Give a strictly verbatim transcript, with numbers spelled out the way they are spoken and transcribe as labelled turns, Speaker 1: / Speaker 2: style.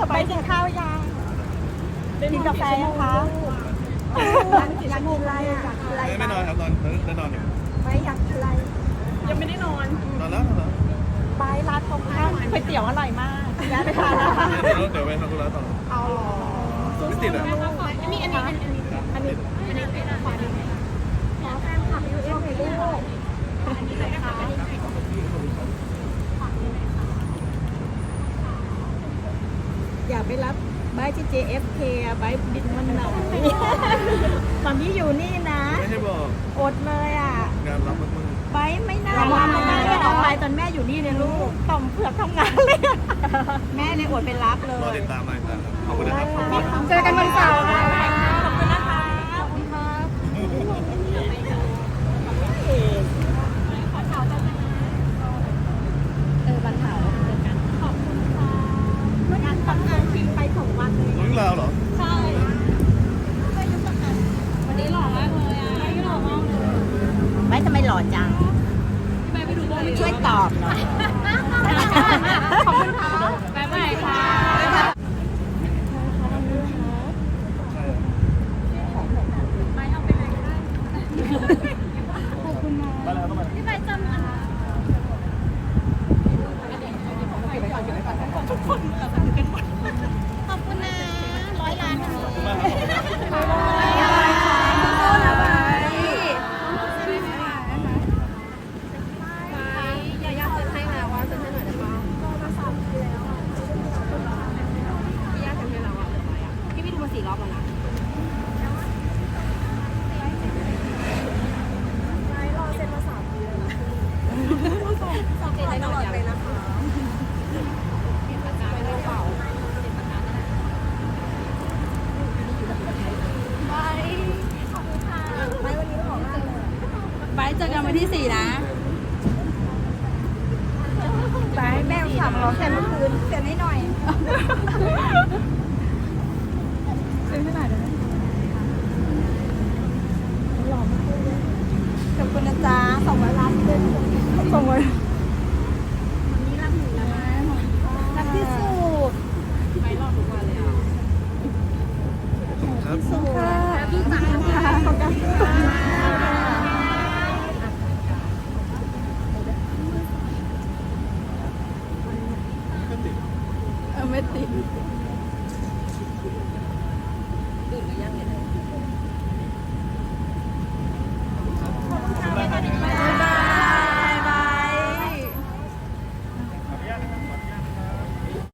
Speaker 1: ไปกินข้าวยังกินกาแฟยังคะอยากกินอะไรอยากกินอะไร
Speaker 2: ไม่นอนครับนอนได้นอนอยู่
Speaker 1: ไม่อยากกินอะไร
Speaker 3: ยังไม่ได้นอน
Speaker 2: นอนแล้วนอนแล้ว
Speaker 1: ไปร้านตรงข้ามก๋วยเตี๋ยวอร่อยมากแวะไปทานนะคะ
Speaker 2: เดี๋ยวเดี๋ยวไปทำธุระต่อ
Speaker 1: เอาหรอ
Speaker 2: ไม่ติดอ่ะ
Speaker 3: อันนี้อันนี้อันนี้อันนี้อันนี้เป็นขวาดีขอแฟนคลับยูเอฟให้ลูกอันนี้เลยนะคะ
Speaker 1: อย่าไปรับใบที่ เจ เอฟ เค อะใบบินวันไหนตอนนี้อยู่นี่นะ
Speaker 2: ไม่ให้บอก
Speaker 1: อดเลยอ่ะ
Speaker 2: งานรับมึงมึง
Speaker 1: ใบไม่น่ารักไม่น่าได้เอาไปตอนแม่อยู่นี่เลยลูกต่อมเผือกทำงานเลยอะแม่เลยอดไปรับเล
Speaker 2: รอย ติดตามรอยติดตามขอบคุณนะครับ
Speaker 3: เจอกันวันเสาร์ค่ะ
Speaker 1: ขอบคุณนะคะขอบคุณค่ะเออวันเสาร์เจอกันขอบคุณค่ะงานทำงานทิ้งไปสองวันเลย
Speaker 2: รู้เรื่องราวเหรอ
Speaker 1: ใช่วันนี้หล่อมากเลยอ่ะวันนี้หล่อมากเลยไม่ทำไมหล่อจังช่วยตอบหน่อยขอบคุณค่ะบ๊ายบายค่ะ
Speaker 2: มาแล้วต้องมา
Speaker 1: พี่ใบจำมันทุกคนขอบคุณนะร้อยล้านวันนี้
Speaker 2: ขอบคุณมากครับ
Speaker 3: ยายาเซ็นให้แล้วว่าเซ็นให้หน่อยได้ปะก็มาสามทีแล้วพี่ยาเซ็นให้แล้วอ่ะพี่พี่ดูมาสี่รอบแล้วนะรอเซ็นมาสามทีแล้วนะสองปีตลอดเลยนะคะเปลี่ยนปากกาไม่ได้เปล่าเปลี่ยนปากกาได้บายขอบคุณค่ะบายวันนี้ขอบคุณบายเจอกันวันที่สี่นะบายแม่ถามเราแค่เมื่อคืนเสียให้หน่อยเซ็นให้หน่อยได้ไหมหล่อมากเลยขอบคุณนะจ๊ะสองร้อยล้านเป็นสองร้อย